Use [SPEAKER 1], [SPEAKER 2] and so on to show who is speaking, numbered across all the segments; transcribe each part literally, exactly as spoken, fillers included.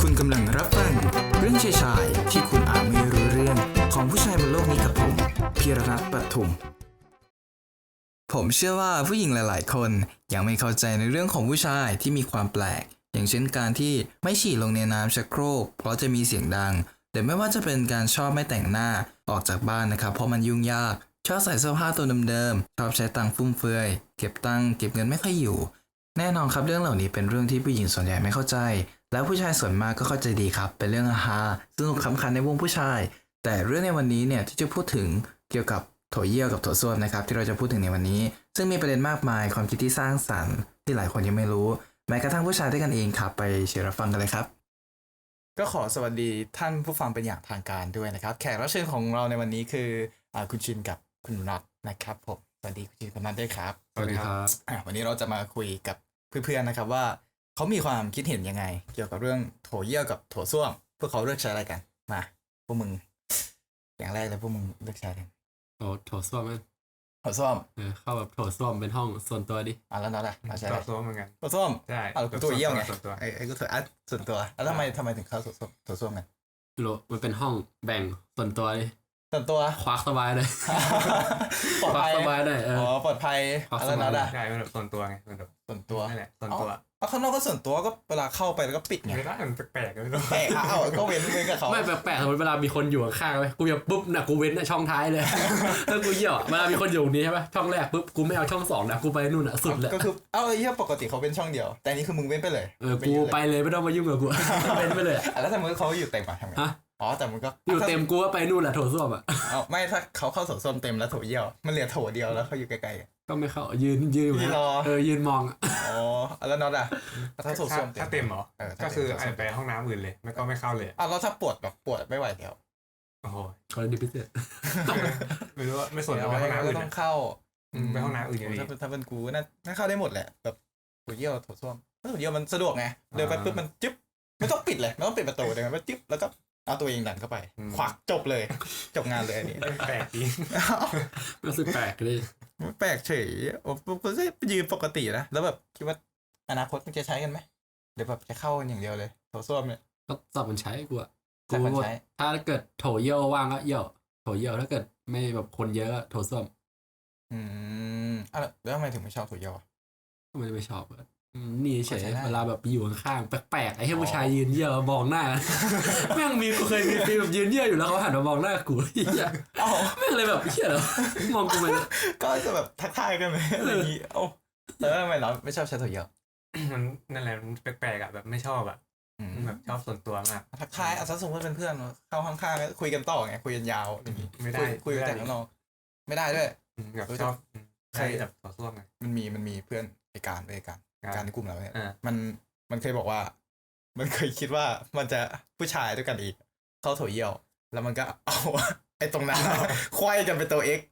[SPEAKER 1] คุณกำลังรับฟังเรื่องชายชายที่คุณอาจไม่รู้เรื่องของผู้ชายบนโลกนี้กับผมพีรรัตน์ปทุมผมเชื่อว่าผู้หญิงหลายๆคนยังไม่เข้าใจในเรื่องของผู้ชายที่มีความแปลกอย่างเช่นการที่ไม่ฉี่ลงในน้ำชักโครกเพราะจะมีเสียงดังหรือไม่ว่าจะเป็นการชอบไม่แต่งหน้าออกจากบ้านนะครับเพราะมันยุ่งยากชอบใส่เสื้อผ้าตัวเดิมๆชอบใช้ตังค์ฟุ่มเฟือยเก็บตังค์เก็บเงินไม่ค่อยอยู่แน่นอนครับเรื่องเหล่านี้เป็นเรื่องที่ผู้หญิงส่วนใหญ่ไม่เข้าใจแล้วผู้ชายส่วนมากก็เข้าใจดีครับเป็นเรื่องฮาสนุกขำขันในวงผู้ชายแต่เรื่องในวันนี้เนี่ยที่จะพูดถึงเกี่ยวกับโถเยี่ยวกับโถส้วมนะครับที่เราจะพูดถึงในวันนี้ซึ่งมีประเด็นมากมายความคิดที่สร้างสรรค์ที่หลายคนยังไม่รู้แม้กระทั่งผู้ชายด้วยกันเองครับไปเชิญรับฟังกันเลยครับก็ขอสวัสดีท่านผู้ฟังเป็นอย่างทางการด้วยนะครับแขกรับเชิญของเราในวันนี้คืออ่าคุณชินกับคุณนัทนะครับผมสวัสดีคุณชินคุณนัทด้วยครับ
[SPEAKER 2] สวัสดีครับ
[SPEAKER 1] วันนี้เราจะมาคุยกับเพื่อนๆนะครับว่าเขามีความคิดเห็นยังไงเกี่ยวกับเรื่องโถเยี่ยวกับโถส้วมพวกเขาเลือกใช้อะไรกันมาพวกมึงอย่างแรกเลยพวกมึงเลือกใช้กัน
[SPEAKER 2] โถโถส้วมมั้ย
[SPEAKER 1] โถส้วม
[SPEAKER 2] เออเข้าแบบโถส้วมเป็นห้องส่วนตัวดิ
[SPEAKER 1] อ่ะแล้วนั่นแหละ
[SPEAKER 3] ใช้โถส้วมเหมือนกัน
[SPEAKER 1] โถส้วม
[SPEAKER 3] ใช่
[SPEAKER 1] อ่ะกูตัวเยี่ยวไงไอ้ไอ้กูตัวอ่ะส่วนตัวแล้วทำไมทำไมถึงเข้าโถส้วมโถส้วมกัน
[SPEAKER 2] โลมันเป็นห้องแบ่งส่วนตัวดิ
[SPEAKER 1] ส่วนตัว
[SPEAKER 2] ควักสบายเลย
[SPEAKER 1] ปลอดภัย
[SPEAKER 2] สบายได้เออ
[SPEAKER 1] อ๋อปลอดภัย
[SPEAKER 2] อะไร
[SPEAKER 1] นั่นแหละ
[SPEAKER 3] ใช่เป็นแบบส่วนตัวไงเป็นแบบ
[SPEAKER 1] ส่วนตัว
[SPEAKER 3] นั่นแหละส่วนตัว
[SPEAKER 1] เอาข้างนอกก็ส่วนตัวก็เวลาเข้าไปแล้วก็ปิดไง
[SPEAKER 3] ไม่ได้มันแปลกๆไม่รู้
[SPEAKER 1] แปลกอ่ะเอาก็เว้นเว้นกับเขา
[SPEAKER 2] ไม่แปลกๆสมมติเวลามีคนอยู่ข้างๆเลยกูจะปุ๊บนะกูเว้นนะช่องท้ายเลยถ้ากูเยี่ยวเวลามีคนอยู่นี้ใช่ป่ะช่องแรกปุ๊บกูไม่เอาช่องสองนะกูไปนู่นอ่ะสุดเลย
[SPEAKER 1] ก็คือเอาไอ้เหี้ยปกติเขาเป็นช่องเดียวแต่นี่คือมึงเว้นไปเลย
[SPEAKER 2] เออกูไปเลยไม่ต้องมายุ่งกับกูเว้นไปเลย
[SPEAKER 1] แล้วถ้ามึงเขาอยู่เต็มอ่ะทำไงอ๋อแต่มันก็
[SPEAKER 2] อยู่เต็มกูก็ไปนู่นแหละโถส้วมอ่ะ
[SPEAKER 1] เอาไม่ถ้าเขาเข้าโถส้วมเต็มแล้วโถเยี่ยวมันเหลือโถเดียวแล้วเขาอยู่ไกล
[SPEAKER 2] ๆก็ไม่เข้ายืนยืนอยู่เออยืนมอง
[SPEAKER 1] อ๋อแล้วน็อตอ่ะถ้าโถส้วม
[SPEAKER 3] ถ้าเต็มเหรอก็คือไปห้องน้ำอื่นเลยไม่ก็ไม่เข้าเลย
[SPEAKER 1] อ่ะแล้วถ้าปวดแบบปวดไม่ไหวแล้ว
[SPEAKER 3] โอ้โห
[SPEAKER 2] กรณีพิเศษ
[SPEAKER 3] ไม่รู้ว่าไม่สนไปห้องน้ำอื่น
[SPEAKER 1] ต้องเข้า
[SPEAKER 3] ไปห้องน้ำอื่นอย่างนี้
[SPEAKER 1] ถ้าเป็นกูน่าน่าเข้าได้หมดแหละแบบโถเยี่ยวโถส้วมโถเยี่ยวมันสะดวกไงเดินไปปุ๊บมันจิ๊บไม่ต้องปิดเลยไม่ต้องปิดประตูเลยมันจิ๊บแล้วก็เอาตัวเองดันเข้าไปขวักจบเลยจบงานเลยอันนี้
[SPEAKER 3] แปลกจริง
[SPEAKER 2] รู้สึกแปลกเลย
[SPEAKER 1] แปลกเฉยโอ้ก็ยืนปกตินะแล้วแบบคิดว่าอนาคตมันจะใช้กันไหมหรือแบบจะเข้ากันอย่างเดียวเลยโถส้วมเนี่ย
[SPEAKER 2] ก็สอบมันใช้กูอะ
[SPEAKER 1] กู
[SPEAKER 2] ถ้าเกิดโถเยี่ยวว่างก็เยี่ยวโถเยี่ยวถ้าเกิดไม่แบบคนเยอะก็โถส้วม
[SPEAKER 1] อืมอ่ะแล้วทำไมถึงไม่ชอบโถเยี่ยวอ่ะ
[SPEAKER 2] ทำไมไม่ชอบนี่เฉยเวลาแบบอยู่ข้างๆแปลกๆไอ้ให้ผู้ชายยืนเยี่ยวมองหน้าแม่งมีกูเคยมีฟีลแบบยืนเยี่ยวอยู่แล้วเขาหันมามองหน้ากูเหี้ยแม่งเลยแบบเหี้ยเหรอมองกูไป
[SPEAKER 1] ก็จะแบบทักทายกันไหมอะไรอย่างงี้โอ้แล้วทำไมเราไม่ชอบใช้โถเยี่ยว
[SPEAKER 3] มันนั่นแหละมันแปลกๆอ่ะแบบไม่ชอบอ่ะแบบชอบส่วนตัวมาก
[SPEAKER 1] ทักทายอ่ะสมมติเป็นเพื่อนเข้าข้างๆคุยกันต่อไงคุยกันยาวอย่างงี้
[SPEAKER 3] ไม่ได้
[SPEAKER 1] คุยแต่ข้างนอกไม่ได้ด้วย
[SPEAKER 3] แบบชอบใช่แบบต่อสู้ไง
[SPEAKER 1] มันมีมันมีเพื่อนในการในการการในกลุ่มเราเนี่ยมันมันเคยบอกว่ามันเคยคิดว่ามันจะผู้ชายด้วยกันอีกเข้าโถเยี่ยวแล้วมันก็เอาไอ้ตรงนั้นควายกันเป็นตัว X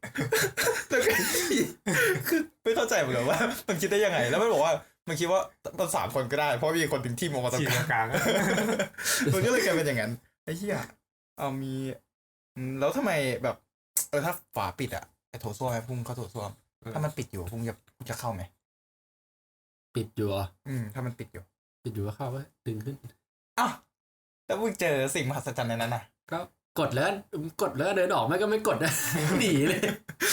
[SPEAKER 1] คือไม่เข้าใจเหมือนกันว่ามันคิดได้ยังไงแล้วมันบอกว่ามันคิดว่ามันสามคนก็ได้เพราะมีคนถึงที่มองมาตรง
[SPEAKER 3] กลาง
[SPEAKER 1] มันก็เลยกลายเป็นอย่างนั้นไอ้เหี้ยเอามีแล้วทำไมแบบเออถ้าฝาปิดอะไอ้โถส้วมไอ้พุ่งเข้าโถส้วมถ้ามันปิดอยู่พุ่งจะพุ่งจะเข้าไหม
[SPEAKER 2] ปิดอยู่อ่ะ
[SPEAKER 1] อืมถ้ามันปิดอยู่
[SPEAKER 2] ปิดอยู่ก็เข้าไว้ดึงขึ้น
[SPEAKER 1] อ้าวแล้วมึงเจอสิ่งมหัศจรรย์ในนั้นน่ะ
[SPEAKER 2] ก็กดแล้วกดแล้วเดินออกไม่ก็ไม่กดนะหนีเลย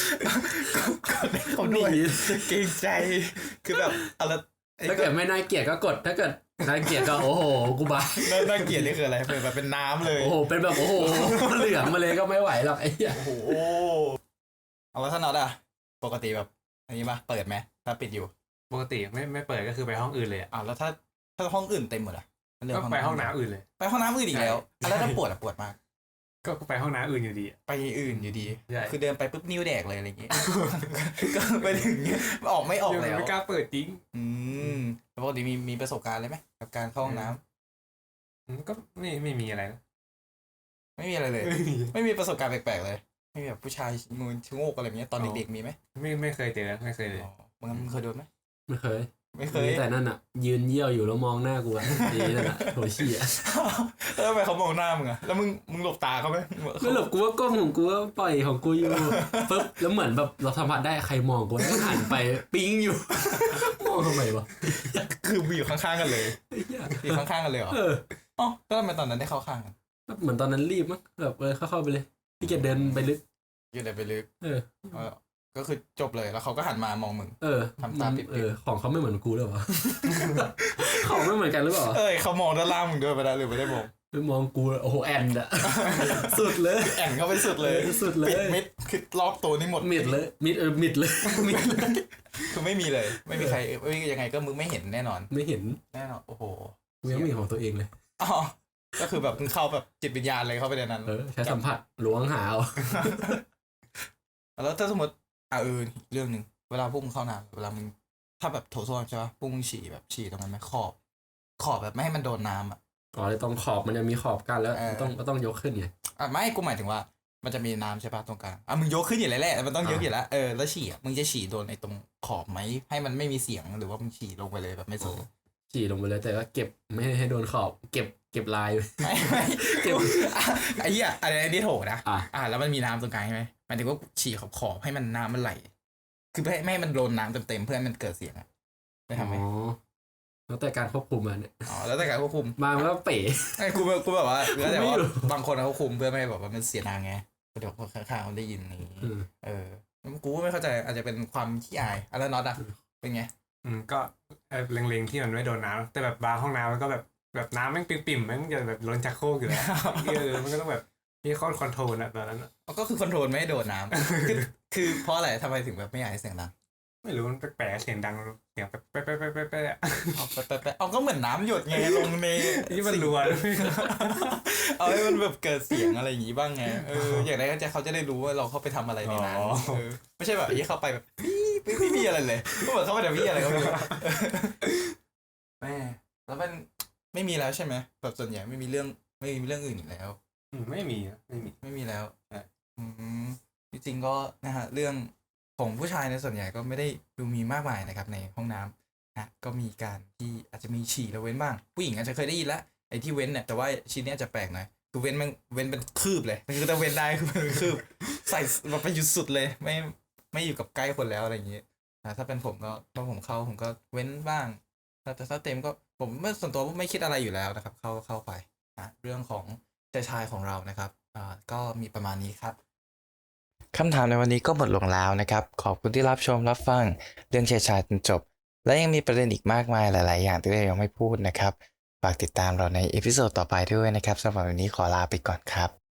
[SPEAKER 1] เขาหนีเกรงใจคือแบบอะไร
[SPEAKER 2] ถ้าเกิดไม่น่าเกลียดก็กดถ้าเกิดน่าเกลียดก็โอ้โหกูบ้า
[SPEAKER 1] น่าเกลียดนี่คืออะไรเป็นแบบเป็นน้ำเลย
[SPEAKER 2] โอ้โหเป็นแบบโอ้โหเหลืองมาเลยก็ไม่ไหวหรอกไอ้เหี้ย
[SPEAKER 1] โอ้โหเอาแล้วถ้าน็อตอะปกติแบบอันนี้ป่ะเปิดไหมถ้าปิดอยู่
[SPEAKER 3] ปกติไม่ไม่เปิดก็คือไปห้องอื่นเลย
[SPEAKER 1] อ่ะแล้วถ้าถ้าห้องอื่นเต็มหมดอ่ะ
[SPEAKER 3] ก็ไปห้องน้ำอื่นเลย
[SPEAKER 1] ไปห้องน้ำอื่นอีกแล้วแล้วถ้าปวดอ่ะปวดมาก
[SPEAKER 3] ก็ไปห้องน้ำอื่นอยู่ดี
[SPEAKER 1] ไปอื่นอยู่ดีคือเดินไปปุ๊บนิ้วแดกเลยอะไรอย่างเงี้ยก็ไปถึงออกไม่ออกแล้ว
[SPEAKER 3] ไม่กล้าเปิดจริง
[SPEAKER 1] อืมปกติมีมีประสบการณ์เลยไหมกับการเข้าห้องน้
[SPEAKER 3] ำก็ไม่ไม่มีอะไรนะ
[SPEAKER 1] ไม่มีอะไรเลยไม่มีประสบการณ์แปลกๆเลยไม่มีแบบผู้ชายมือชะโงกอะไรอย่างเงี้ยตอนเด็กๆมีไหม
[SPEAKER 3] ไม่ไม่เคยเจอไม่เคยเลย
[SPEAKER 1] มึงเคยโดนไหม
[SPEAKER 2] ไม่เคย
[SPEAKER 1] ไม่เคย
[SPEAKER 2] แต่นั่นอ่ะยืนเยี่ยวอยู่แล้วมองหน้ากูอ่ะดีนั่นอ่ะโถเชี่ย
[SPEAKER 1] แล้วทำไมเขามองหน้ามึงอ่ะแล้วมึงมึงหลบตาเขาไหม
[SPEAKER 2] ไม่หลบกูว่าก้มของกูว่าปล่อยของกูอยู่ปึ๊บแล้วเหมือนแบบเราสัมผัสได้ใครมองกูแล้วหันไปปิ๊งอยู่มองทำไมวะ
[SPEAKER 1] คืออยู่ข้างๆกันเลยอยู่ข้างๆกันเลยเหรออ๋อแล้วทำไมตอนนั้นได้เข้าข้างกัน
[SPEAKER 2] เหมือนตอนนั้นรีบมั้งแบบเออเข้าๆไปเลยพี่เกดเดินไปลึก
[SPEAKER 1] ยืนเลยไปลึก
[SPEAKER 2] เออ
[SPEAKER 1] เออก็คือจบเลยแล้วเขาก็หันมามองมึง
[SPEAKER 2] เออ
[SPEAKER 1] ทำตาปิดๆ
[SPEAKER 2] เออของเขาไม่เหมือนกูหรือเปล่า ของไม่เหมือนกันหรือเปล่า
[SPEAKER 1] เอ้ยเขามองด้านล่างมึงด้วยไปได้หรือไม่ได้มอง
[SPEAKER 2] ไปมองกูโอ้โหแอนอะ สุดเลย
[SPEAKER 1] แอนเข้าไปสุดเลย
[SPEAKER 2] สุดเลย
[SPEAKER 1] ปิดมิดคือรอบตัวนี่หมด
[SPEAKER 2] มิดเลยมิดเออมิดเลย มิดเลย
[SPEAKER 1] คือไม่มีเลย ไม่มีใครไม่ยังไงก็มึงไม่เห็นแน่นอน
[SPEAKER 2] ไม่เห็น
[SPEAKER 1] แน่นอนโอ้โห
[SPEAKER 2] กูยังไม่เห็นของตัวเองเลย
[SPEAKER 1] อ๋อก็คือแบบมึงเข้าแบบจิตวิญญาณเลยเข้าไปในนั้น
[SPEAKER 2] เออใช้สัมผัสล้วงหาเอา
[SPEAKER 1] แล้วถ้าสมมติอ่ะเออเรื่องหนึ่งเวลาพวกมึงเข้าน้ำเวลามึงถ้าแบบโถส้วมใช่ปะพวกมึงฉี่แบบฉี่ตรงนั้นไหมขอบ ขอบแบบไม่ให้มันโดนน้ำอ่ะ
[SPEAKER 2] อ๋อเลยตรงขอบมันจะมีขอบกันแล้ว
[SPEAKER 1] เออ
[SPEAKER 2] ต้องก็ต้องยกขึ้นไง
[SPEAKER 1] อ่ะไม่กูหมายถึงว่า มันจะมีน้ำใช่ปะตรงกลางอ่ะมึงยกขึ้นอยู่แล้วแหละมันต้องยกอยู่แล้วเออแล้วฉี่อ่ะมึงจะฉี่โดนไอ้ตรงขอบไหมให้มันไม่มีเสียงหรือว่ามึงฉี่ลงไปเลยแบบไม่สน
[SPEAKER 2] ฉี่ลงไปเลยแต่ก็เก็บไม่ให้โดนขอบเก็บเก็บลาย
[SPEAKER 1] ไม่ไม่
[SPEAKER 2] เก็บ
[SPEAKER 1] อ่ะไอ้เหี้ยอะไรนี่โถนะ
[SPEAKER 2] อ่ะ
[SPEAKER 1] อ่ะแล้วมันมีน้ำตรงกลางใช่ไหมหมายถึงว่าฉี่ขอบขอบให้มันน้ำมันไหล คือไม่ให้ไม่ให้มันโดนน้ำเต็มๆเพื่อให้มันเกิดเสียงอ่ะได้ทำไหม
[SPEAKER 2] อ๋อแล้วแต่การควบคุมมันเนี่ย
[SPEAKER 1] อ๋อแล้วแต่การควบคุม
[SPEAKER 2] มามันก็เป๋
[SPEAKER 1] ไอ้กูแบบกูแบบว่าแล้วแต่
[SPEAKER 2] ไม่
[SPEAKER 1] ว่า
[SPEAKER 2] รู้
[SPEAKER 1] บางคนเขาคุมเพื่อไม่ให้แบบว่ามันเสียงดังไงเดี๋ยวคนข้างๆเขาได้ยินอย่างนี้
[SPEAKER 2] เออ
[SPEAKER 1] เออกูก็ไม่เข้าใจอาจจะเป็นความขี้อายอะแล้วน็อตอะเป็นไง
[SPEAKER 3] อืมก็เออเล็งๆที่มันไม่โดนน้ำแต่แบบบาร์ห้องน้ำมันก็แบบแบบน้ำแม่งปิ่มๆแม่งจะแบบล้นจากโครกอยู่แล้ว เออมันก็ต้องแบบมีข้อคอนโทรลอะตอนนั้นอะ
[SPEAKER 1] ก็คือคอนโทรลไม่ให้โดนน้ำคือคือเพราะอะไรทำไมถึงแบบไม่อยากให้เสียงดัง
[SPEAKER 3] ไม่รู้มันแปลกๆเสียงดังเสียงแป๊ะแป๊ะแป๊ะแป๊ะแป๊ะอะ
[SPEAKER 1] เอาไปไปไปเอาก็เหมือนน้ำหยดไงลงใน
[SPEAKER 3] ที่มันรัว
[SPEAKER 1] เอาให้มันแบบเกิดเสียงอะไรอย่างงี้บ้างไงเอออย่างไรก็จะเขาจะได้รู้ว่าเราเข้าไปทำอะไรในนั้น
[SPEAKER 3] อ๋อ
[SPEAKER 1] เออไม่ใช่แบบยี่เข้าไปแบบพี่ไม่ไม่มีอะไรเลยก็เหมือนเข้าไปแต่พี่อะไรก็ไม่รู้แม่แล้วมันไม่มีแล้วใช่ไหมแบบส่วนใหญ่ไม่มีเรื่องไม่มีเรื่องอื่นอีกแล้ว
[SPEAKER 3] อืมไม่มีอะไม่มี
[SPEAKER 1] ไม่มีแล้ว
[SPEAKER 3] ใช่
[SPEAKER 1] อืมจริงๆก็นะฮะเรื่องของผู้ชายในส่วนใหญ่ก็ไม่ได้ดูมีมากมายนะครับในห้องน้ำนะก็มีการที่อาจจะมีฉี่แล้วเว้นบ้างผู้หญิงอาจจะเคยได้ยินแล้วไอ้ที่เว้นเนี่ยแต่ว่าชิ้นเนี้ยจะแปลกหน่อยคือเว้นมันเว้นเป็นคืบเลยคือถ้าเว้นได้คือเป็นคืบใส่แบบไปหยุดสุดเลยไม่ไม่อยู่กับใกล้คนแล้วอะไรอย่างนี้นะถ้าเป็นผมก็พอผมเข้าผมก็เว้นบ้างแต่ถ้าเต็มก็ผมไม่ส่วนตัวไม่คิดอะไรอยู่แล้วนะครับ เข้าเข้าไปนะเรื่องของชายชายของเรานะครับอ่าก็มีประมาณนี้ครับคำถามในวันนี้ก็หมดลงแล้วนะครับขอบคุณที่รับชมรับฟังเรื่องชายชายจนจบ และยังมีประเด็นอีกมากมายหลายๆอย่างที่เรายังไม่พูดนะครับฝากติดตามเราในเอพิโซดต่อไปด้วยนะครับสำหรับวันนี้ขอลาไปก่อนครับ